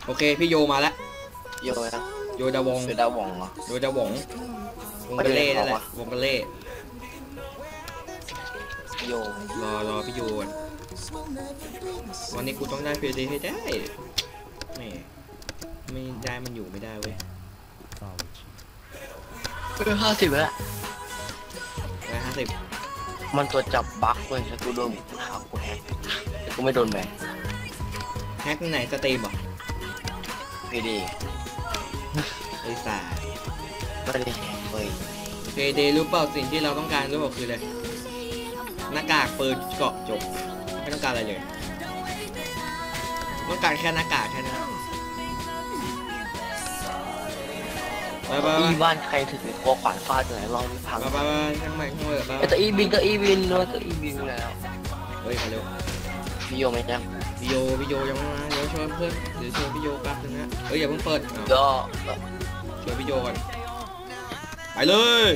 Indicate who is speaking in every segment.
Speaker 1: โอเคพี่โยมาแล้ว
Speaker 2: โยนะ
Speaker 1: โยดาวง
Speaker 2: คือดาวงเหรอ
Speaker 1: โยดาวงวงกะเล่นั่นแหละวงกะเล่
Speaker 2: โย
Speaker 1: รอพี่โยก่อนวันนี้กูต้องได้เพย์เดย์ให้ได้ไม่ได้มันอยู่ไม่ได้เว้ย
Speaker 2: 50แล้ว
Speaker 1: 150
Speaker 2: มันตัวจับบั๊กเว้ยถ้ากูโดนหากูแฮกแต่กูไม่โดนแบน
Speaker 1: แฮกไหนสตรีมเหรอ
Speaker 2: พีดี
Speaker 1: ไอ้สา
Speaker 2: ไม่ได้แฮกเว้ย
Speaker 1: เพย์เดย์รู้เปล่าสิ่งที่เราต้องการรู้เปล่าคืออะไรหน้ากากปืนเกาะจบไม่ต้องการอะไรเลยต้องการแค่หน้ากากแค่นั้นไป
Speaker 2: อีบ้านใครถือคอขวานฟาดไหนลองพัง
Speaker 1: ไปข้างในไป
Speaker 2: ตัวอีบินตัวอีบินแล้ว
Speaker 1: เฮ้ยมาเร็ว
Speaker 2: พี่โยไม่ยัง
Speaker 1: พี่โยยังไม่มาเดี๋ยวชวนเพื่อนเดี๋ยวชวนพี่โยแป๊บนึงนะเฮ้ยอย่าเพิ่งเปิด
Speaker 2: ก็
Speaker 1: ชวนพี่โยกันไปเลย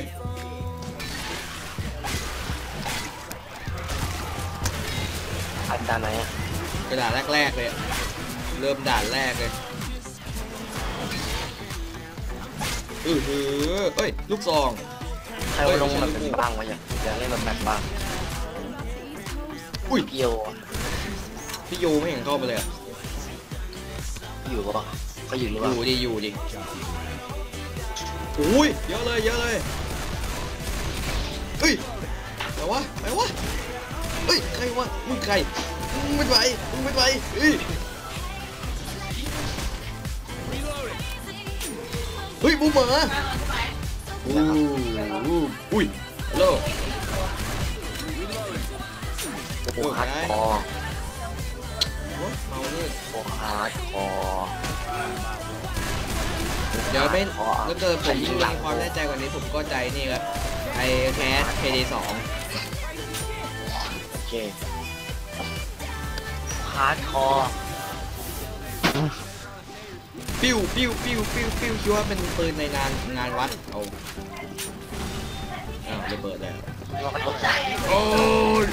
Speaker 2: อันด่านไหนอะ
Speaker 1: กระดาษแรกเลยเริ่มด่านแรกเลยเอ้ยลูกซอง
Speaker 2: ใครว่าลงแบบเป็นบ้างวะอยากเล่นแบบบ้าง
Speaker 1: อุ้ย
Speaker 2: พี่โย
Speaker 1: ไม่เห็นเข้าไปเลย
Speaker 2: อยู่ปะก็อยู่หรือเปล่า
Speaker 1: อยู่ดิอุ้ยเยอะเลยเฮ้ยไหนวะเฮ้ยใครวะมึงใครมึงไม่ไปเฮ้ยบูมเหรออุ้ยฮัลโหล
Speaker 2: โอ้ฮาร์ดคอร์
Speaker 1: เมาเนี่ย
Speaker 2: โอ้ฮาร์ดคอร์
Speaker 1: เดี๋ยวไม่ถ้าเกิดผมยิ่งมีความแน่ใจกว่านี้ผมก็ใจนี่ครับไอแคสเพย์เดย์2
Speaker 2: โอเคฮาร์ดคอร์
Speaker 1: ปิ้วคิดว่าเป็นปืนในงานวัดเอาระเบิดแล้วโอ้ย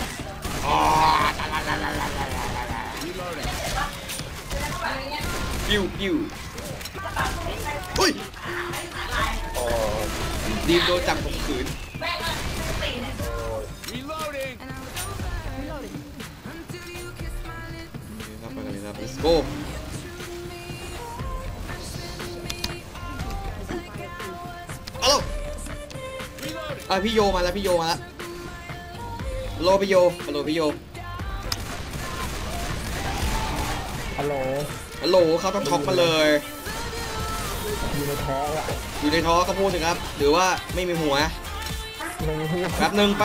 Speaker 1: ปิ้วอุ้ยดีมโดนจับข่มขืนครับไปกันเลยครับ let's go พี่โยมาแล้วโลพี่โยฮัลโหล
Speaker 3: ฮัลโหล
Speaker 1: เขาต้องท็อกมาเลย
Speaker 3: อยู่ในท้องอะ
Speaker 1: อยู่ในท้องก็พูดสิครับหรือว่าไม่มีหัวแป๊บหนึ่ง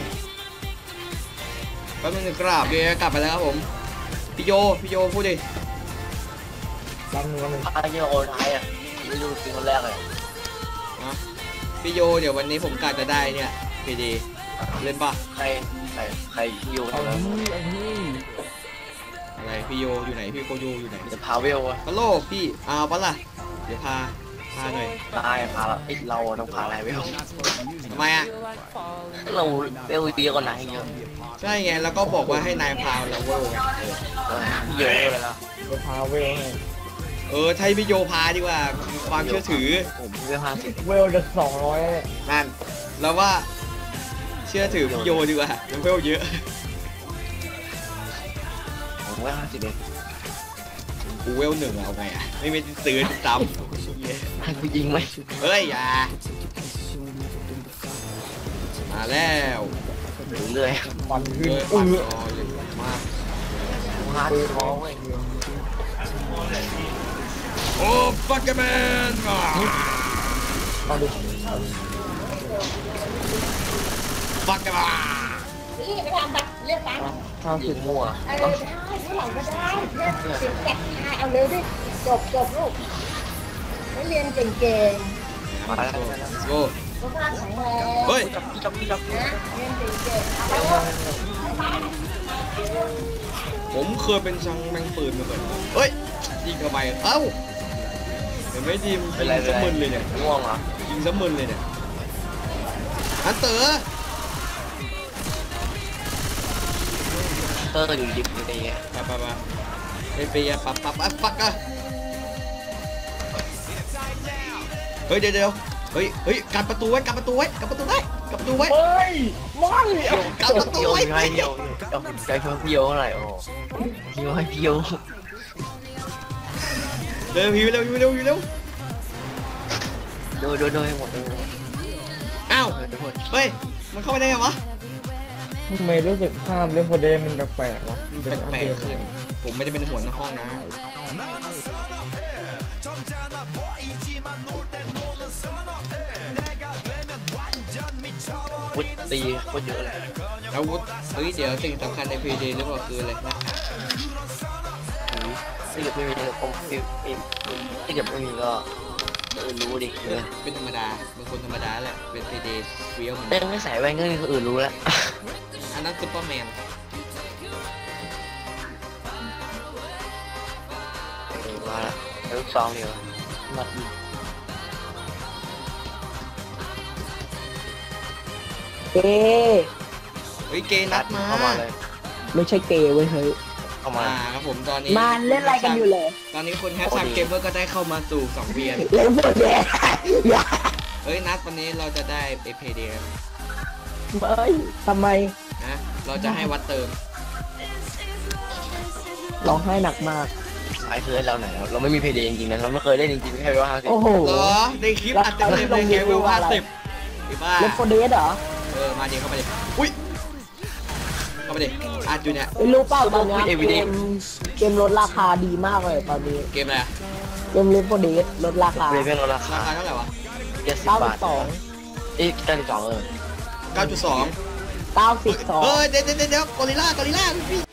Speaker 1: กราบเดี๋ยวกลับไปแล้วครับผมพี่โยพูดดิ
Speaker 3: แป๊บนึง
Speaker 2: พี่โยโอนไทยอ่ะไม่รู้จริงคนแรกเลย
Speaker 1: พี่โยเดี๋ยววันนี้ผมกะจะได้เนี่ยพีดีเล่นปะ
Speaker 2: ใครพี่โย
Speaker 1: อะไรพี่โยอยู่ไหนพี่โกโยอยู่ไหน
Speaker 2: จะพาเวล
Speaker 1: ฮัลโหลพี่เอาปะล่ะเดี๋ยวพาหน่อย
Speaker 2: ได้พาเราต้องพาอะไรเวล
Speaker 1: ทำไมอ่ะ
Speaker 2: เราเวลเยอะกว่านายเยอะ
Speaker 1: ใช่ไงแล้วก็บอกว่าให้นายพาเราเวลไง
Speaker 2: เยอะเลยแล้ว
Speaker 3: พาเวล
Speaker 1: ใช่พี่โยพาดีกว่าความเชื่อถือ
Speaker 2: ผมเวล50
Speaker 3: เวลจะ200
Speaker 1: นั่นแล้วว่าเชื่อถือพี่โยดีกว่าเวลเยอะ
Speaker 2: ผมเวล50เอง
Speaker 1: กูเวล1เอาไงอ่ะไม่มีซื้อซ้ำ
Speaker 2: ให้กูยิงไหม
Speaker 1: เฮ้ยอย่ามาแล้ว
Speaker 2: เรื่อย
Speaker 3: ฟันขึ้น
Speaker 1: มาก
Speaker 2: ฮาร์ดคอร์เว้ย
Speaker 1: โอ้ฟักเกอร์แมน
Speaker 3: เอาดิ
Speaker 1: ฟักเกอร์แมน
Speaker 4: นี่ไปทำบัตรเลือกตั้ง
Speaker 2: ยิงมั่ว
Speaker 4: ได้ผู้หลังก็ได้เลือกเสียงแกะเอาเร็วดิจบลูกไม่เรียนเก่ง
Speaker 2: มาแล้ว
Speaker 1: โอ้
Speaker 4: สุขภาพแข็งแรง
Speaker 1: เฮ้ย
Speaker 2: จับ
Speaker 4: นะเรียนเก่ง
Speaker 1: ผมเคยเป็นช่างแมงปืนมาก่อนเฮ้ยยิงเข้าไปเอ้าเห็นไหมทีมยิงสมึนเลยเนี่ย
Speaker 2: ง่วงเหรอ
Speaker 1: ยิงสมึนเลยเนี่ยฮันเตอร์
Speaker 2: อยู่ดิบอยู่ใน
Speaker 1: ไปไปไปไปปับฟักอะเฮ้ยเดี๋ยวเฮ้ยกันประตูไว้กันประตูไว้กันประตูไว้กันประตูไว้
Speaker 3: เฮ้ยไม่
Speaker 1: กันประตู
Speaker 2: เดียว
Speaker 1: ไว้
Speaker 2: ให้เดียวเอาใจเพิ่มเดียวเท่าไหร่โอ้เดียวให้เดียว
Speaker 1: เร็วหิวเร็วหิวเร็วหิวเร็ว
Speaker 2: โดยให้หมดเลย
Speaker 1: อ้าว
Speaker 2: โดย
Speaker 1: เฮ้ยมันเข้าไปได้ไงวะ
Speaker 3: ทำไมรู้สึกภาพเล่นโฟเดมันแปลกๆวะ
Speaker 1: แปลกๆขึ้นผมไม่ได้เป็นหัวหน้าห้องนะ
Speaker 2: วุ้ยตีโคตรเยอะเลย
Speaker 1: อาวุธเฮ้ยเดี๋ยวสิ่งสำคัญใน PD หรือเปล่าคืออะไรนะ
Speaker 2: ถ้าเกิดไม่มีผมถ้าเกิดไม่มีก็รู้ดิ
Speaker 1: เป็นธรรมดาเป็นคนธรรมดาแหละเป็น PD เฟี้ยวเหมือน
Speaker 2: แต่ไม่ใส่แว่นก็มีคนอื่นรู้แล้ว
Speaker 1: อันนั้นซุปเปอร์แมน
Speaker 2: มาละลูกซองเดียวมาอีก
Speaker 3: เอ๊ะ
Speaker 1: เฮ้ยเกย์นัดมา
Speaker 2: เข้ามาเลย
Speaker 3: ไม่ใช่เกย์เว้ยเฮ้ย
Speaker 2: เข้ามา
Speaker 1: ครับผมตอนนี้
Speaker 3: มันเล่นอะไรกันอยู่เลย
Speaker 1: ตอนนี้คนแฮชแท็กเกมเมอร์ก็ได้เข้ามาสู่2เวียน
Speaker 3: เล่นโฟเดอย่า
Speaker 1: เฮ้ยนัดวันนี้เราจะได้เอพเด
Speaker 3: เฮ้ยทำไม
Speaker 1: นะเราจะให้วัดเติม
Speaker 3: ร้องไห้หนักมาก
Speaker 2: สายคือเราไหนเราไม่มีเพย์เดย์จริงๆนะเราไม่เคยเล่นจริงๆแค่ว่า50
Speaker 3: โอ้โห
Speaker 1: เหรอในคลิปอัดเต็มเลยในเกมเวล50ไอ้บ้า
Speaker 3: เล่นโฟเดเหรอ
Speaker 1: มาดิเข้ามาดิอุ้ยเข้ามาดิอัดอยู่เนี่ย
Speaker 3: ไม่รู้เปล่าตอนเนี้ยเกมลดราคาดีมากเลยตอนนี้
Speaker 1: เกมอะไรอะ
Speaker 3: เกมเล่นโฟเดลดราคา
Speaker 2: เลยเพื่อนเราราคา
Speaker 1: ราคาเท่าไหร่วะ
Speaker 2: 70 บาท
Speaker 3: 92
Speaker 2: เอ๊ะ92
Speaker 1: 9.2
Speaker 3: 92
Speaker 1: เฮ้ยเดี๋ยวกอริลล่าพี่